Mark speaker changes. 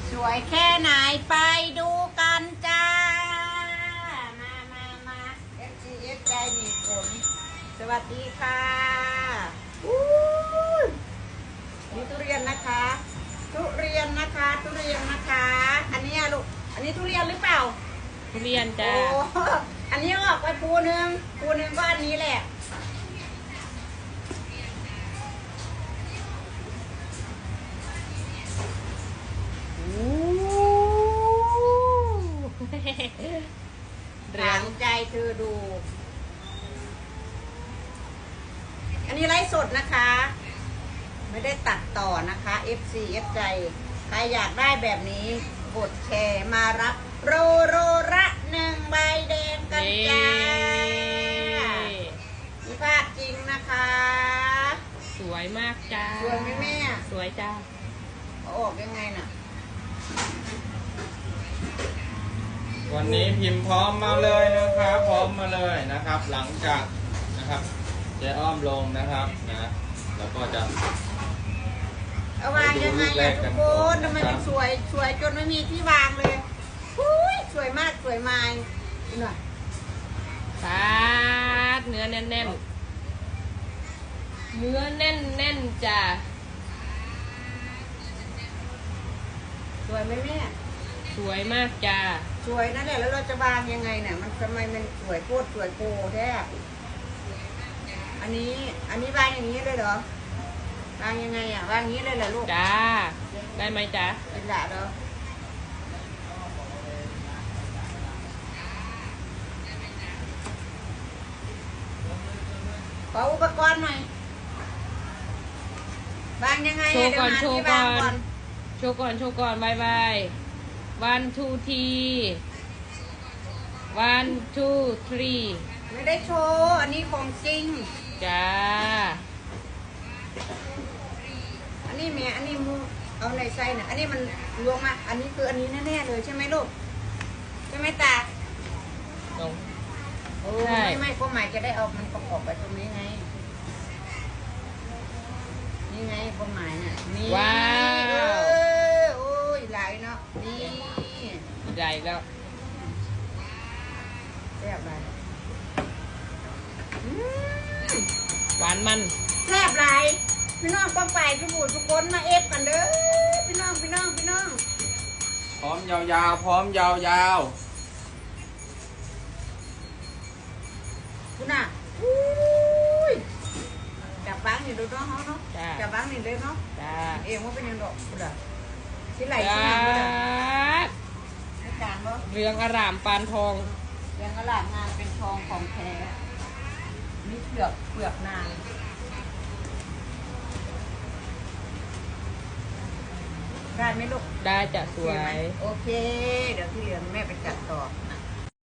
Speaker 1: สวยแค่ไหนไปดูกันจ้า มา FGF ใจดีผลสวัสดีค่ะนี่ทุเรียนนะคะ ทุเรียนนะคะ อันนี้ลูก อันนี้ทุเรียนหรือเปล่า
Speaker 2: ทุเรียนจ้า
Speaker 1: โอ้อันนี้ออกไปภูหนึ่งก็อันนี้แหละถามใจเธอดู อันนี้ไลฟ์สดนะคะ ไม่ได้ตัดต่อนะคะ FCF ใจ ใครอยากได้แบบนี้กดแชร์มารับโรละ1 ใบแดงกันจ้ามีภาพจริงนะคะ
Speaker 2: สวยมากจ้า
Speaker 1: สวยไหมแม่
Speaker 2: สวยจ้า
Speaker 1: เอาออกยังไงน่ะ
Speaker 3: วันนี้พิมพ์พร้อมมาเลยนะครับพร้อมมาเลยนะครับ หลังจากนะครับเจ๊อ้อมลงนะครับนะแล้วก็จะ
Speaker 1: เอาวางยังไงอะทุกคนทำไมมันสวยจนไม่มีที่วางเลยสวยมากสวยมายหน่อย
Speaker 2: ปาดเนื้อแน่นๆ เนื้อแน่นๆจ้า
Speaker 1: สวยไหมแม่
Speaker 2: สวยมากจ้า
Speaker 1: สวยนั่นแหละแล้วเราจะวางยังไงเนี่ยมันทำไมมันสวยโคตรสวยโกแท้อันนี้วางอย่างนี้เลยเหรอวางยังไงอ่ะวางอย่างนี้เลยเหรอลูก
Speaker 2: จ้า ได้ไหมจ้า
Speaker 1: เป็นละเหรอขออุปกรณ์หน่อยวางยังไง
Speaker 2: โชว์ก่อน
Speaker 1: เดี๋ยวหาที่วางก่อน
Speaker 2: โชว์ก่อนบาย one two three one two three
Speaker 1: ไม่ได้โชว์อันนี้ของจริง
Speaker 2: จ้า
Speaker 1: อันนี้แม่อันนี้มูเอาในไส้น่ะอันนี้มันรวมมาอันนี้คืออันนี้แน่ๆเลยใช่ไหมลูกใช่ไหมตา
Speaker 2: ตรง
Speaker 1: โอ้
Speaker 2: ใช่
Speaker 1: ไม่ก็หมายจะได้เอามันประกอบไปตรงนี้ไงนี่ไงก็หมายน่ะนี่
Speaker 2: ว้าว
Speaker 1: โอ้ยหลายเนาะนี่
Speaker 2: ใหญ่แล้ว
Speaker 1: แซ่บหลายอืม
Speaker 2: หวานมัน
Speaker 1: แซ่บหลายพี่น้องป้องไปพี่บูดทุกคนมาเอฟกันเด้อพี่น้อง
Speaker 3: พร้อมยาวๆพร้อมยาว
Speaker 1: คุณน่ะอุ้ยจับบ้างนี่ดูเนาะเนาะ
Speaker 2: จ้า
Speaker 1: จับบ้างนี่เลยเนาะ
Speaker 2: จ้า
Speaker 1: เองว่าเป็นยังดอกคุณอ่ะที่ไหล
Speaker 2: จ้า
Speaker 1: ที่ยังคุณอ่ะไม่จางเนาะ
Speaker 2: เรืองอร่ามปานทอง
Speaker 1: ยังอลามงานเป็นทองของแท้นี่เปลือกนางได้ไหมลูก
Speaker 2: ได้จะสวย
Speaker 1: โอเค เดี๋ยวที่เหลือแม่ไปจัดต่ออ่ะ